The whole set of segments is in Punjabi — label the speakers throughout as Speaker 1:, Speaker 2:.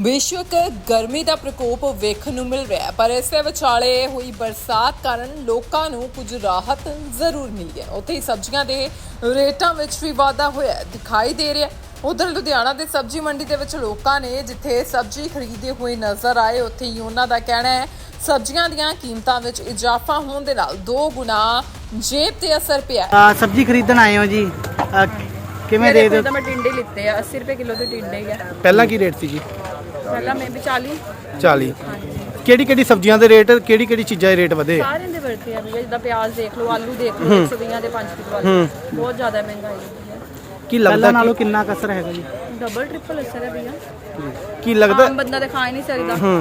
Speaker 1: ਵਿਸ਼ਵਕ ਗਰਮੀ ਦਾ ਪ੍ਰਕੋਪ ਵੇਖਣ ਨੂੰ ਮਿਲ ਰਿਹਾ ਹੈ, ਪਰ ਇਸੇ ਵਿਚਾਲੇ ਹੋਈ ਬਰਸਾਤ ਕਾਰਨ ਲੋਕਾਂ ਨੂੰ ਕੁਝ ਰਾਹਤ ਜ਼ਰੂਰ ਮਿਲੀ ਹੈ। ਉੱਥੇ ਹੀ ਸਬਜ਼ੀਆਂ ਦੇ ਰੇਟਾਂ ਵਿੱਚ ਵੀ ਵਾਧਾ ਹੋਇਆ ਦਿਖਾਈ ਦੇ ਰਿਹਾ ਹੈ। ਉਧਰ ਲੁਧਿਆਣਾ ਦੇ ਸਬਜ਼ੀ ਮੰਡੀ ਦੇ ਵਿੱਚ ਲੋਕਾਂ ਨੇ ਜਿੱਥੇ ਸਬਜ਼ੀ ਖਰੀਦਦੇ ਹੋਏ ਨਜ਼ਰ ਆਏ, ਉੱਥੇ ਹੀ ਉਹਨਾਂ ਦਾ ਕਹਿਣਾ ਹੈ ਸਬਜ਼ੀਆਂ ਦੀਆਂ ਕੀਮਤਾਂ ਵਿੱਚ ਇਜ਼ਾਫਾ ਹੋਣ ਦੇ ਨਾਲ 2 ਗੁਣਾ ਜੇਬ ਤੇ ਅਸਰ ਪਿਆ ਹੈ।
Speaker 2: सब्जी खरीदन आए हो जी किवें दे दो
Speaker 3: मैं टिंडे लिते हैं 80 रुपए किलो के टिंडे ही है।
Speaker 2: ਪਹਿਲਾਂ ਕੀ ਰੇਟ ਸੀ ਜੀ
Speaker 3: पहला मैं भी 40
Speaker 2: 40 ਕਿਹੜੀ ਕਿਹੜੀ ਸਬਜ਼ੀਆਂ ਦੇ ਰੇਟ ਕਿਹੜੀ ਕਿਹੜੀ ਚੀਜ਼ਾਂ ਦੇ ਰੇਟ ਵਧੇ
Speaker 3: सारे दे बढ़ते हैं भैया। जिदा प्याज देख लो, आलू देख लो, 120 ਦੇ 5 किलो आलू बहुत ज्यादा महंगाई है।
Speaker 2: ਕੀ ਲੱਗਦਾ ਨਾਲੋਂ ਕਿੰਨਾ ਕਸਰ ਹੈਗਾ ਜੀ
Speaker 3: डबल ट्रिपल असर है भैया।
Speaker 2: ਕੀ ਲੱਗਦਾ
Speaker 3: आम बंदा तो खा ही नहीं सकता।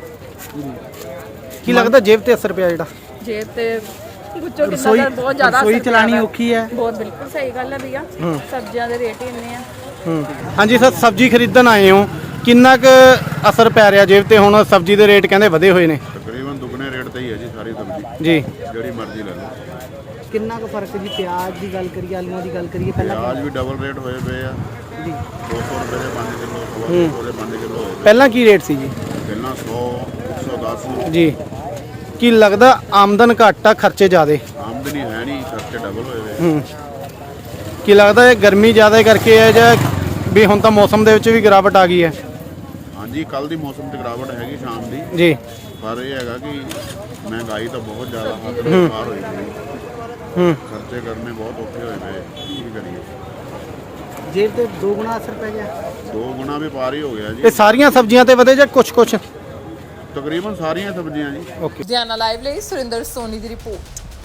Speaker 2: ਕੀ ਲੱਗਦਾ ਜੇਬ ਤੇ ਅਸਰ ਪਿਆ ਜਿਹੜਾ
Speaker 3: जेब ते गुच्चो कितना दा बहुत ज्यादा
Speaker 2: ਰਸੋਈ
Speaker 3: असर
Speaker 2: ਚਲਾਣੀ
Speaker 3: पिया है।
Speaker 2: ਔਖੀ ਹੈ
Speaker 3: बहुत बिल्कुल सही गल है भैया। सब्जियां दे रेट ही इन्ने हैं।
Speaker 2: ਹਾਂਜੀ ਸਰ ਸਬਜ਼ੀ ਖਰੀਦਣ ਆਏ ਹੋ ਕਿੰਨਾ ਕੁ ਅਸਰ ਪੈ ਰਿਹਾ ਜੇਬ ਤੇ ਹੁਣ ਸਬਜ਼ੀ ਦੇ ਰੇਟ ਕਹਿੰਦੇ ਵਧੇ ਹੋਏ ਨੇ
Speaker 4: ਤਕਰੀਬਨ ਦੁੱਗਣੇ ਰੇਟ ਤੇ ਹੀ ਹੈ ਜੀ ਸਾਰੀ ਸਬਜ਼ੀ
Speaker 2: ਜੀ
Speaker 4: ਜਿਹੜੀ ਮਰਜ਼ੀ ਲੈ ਲਓ।
Speaker 2: ਕਿੰਨਾ ਕੁ ਫਰਕ ਜੀ ਪਿਆਜ਼ ਦੀ ਗੱਲ ਕਰੀਏ ਆਲੂਆਂ ਦੀ ਗੱਲ ਕਰੀਏ
Speaker 4: ਪਿਆਜ਼ ਵੀ ਡਬਲ ਰੇਟ ਹੋਏ ਪਏ ਆ
Speaker 2: ਜੀ
Speaker 4: 200 ਰੁਪਏ ਦੇ 5 ਕਿਲੋ 200 ਦੇ 5 ਕਿਲੋ ਹੋਏ
Speaker 2: ਪਹਿਲਾਂ ਕੀ ਰੇਟ ਸੀ ਜੀ
Speaker 4: ਪਏ। ਪਹਿਲਾਂ 100 110
Speaker 2: ਜੀ ਕੀ ਲੱਗਦਾ ਆਮਦਨ ਘੱਟ ਆ ਖਰਚੇ ਜ਼ਿਆਦੇ
Speaker 4: ਆਮਦਨੀ ਹੈ ਨਹੀਂ, ਖਰਚੇ ਡਬਲ ਹੋਏ ਪਏ।
Speaker 2: ਕੀ ਲੱਗਦਾ ਇਹ ਗਰਮੀ ਜ਼ਿਆਦਾ ਕਰਕੇ ਹੈ ਜਾਂ ਵੀ ਹੁਣ ਤਾਂ ਮੌਸਮ ਦੇ ਵਿੱਚ ਵੀ ਗਿਰਾਵਟ ਆ ਗਈ ਹੈ
Speaker 4: ਹਾਂਜੀ ਕੱਲ ਦੀ ਮੌਸਮ ਤੇ ਗਿਰਾਵਟ ਹੈਗੀ ਸ਼ਾਮ ਦੀ,
Speaker 2: ਜੀ
Speaker 4: ਪਰ ਇਹ ਹੈਗਾ ਕਿ ਮਹਿੰਗਾਈ ਤਾਂ ਬਹੁਤ ਜ਼ਿਆਦਾ ਹੱਦ ਤੋਂ ਪਾਰ ਹੋਈ ਪਈ। ਖਰਚੇ ਕਰਨੇ ਬਹੁਤ ਔਖੇ ਹੋਏ ਪਏ, ਕੀ ਕਰੀਏ।
Speaker 2: ਜੇਬ ਤੇ 2 ਗੁਣਾ ਅਸਰ ਪੈ ਗਿਆ
Speaker 4: 2 ਗੁਣਾ ਵੀ ਪਾਰ ਹੀ ਹੋ ਗਿਆ
Speaker 2: ਇਹ
Speaker 4: ਜੀ।
Speaker 2: ਸਾਰੀਆਂ ਸਬਜ਼ੀਆਂ ਤੇ ਵਧੇ ਜਾਂ ਕੁਝ
Speaker 4: ਤਕਰੀਬਨ ਸਾਰੀਆਂ ਸਬਜ਼ੀਆਂ ਜੀ।
Speaker 2: ਓਕੇ
Speaker 1: ਲੁਧਿਆਣਾ ਲਾਈਵ ਲਈ ਸੁਰਿੰਦਰ ਸੋਨੀ ਦੀ ਰਿਪੋਰਟ।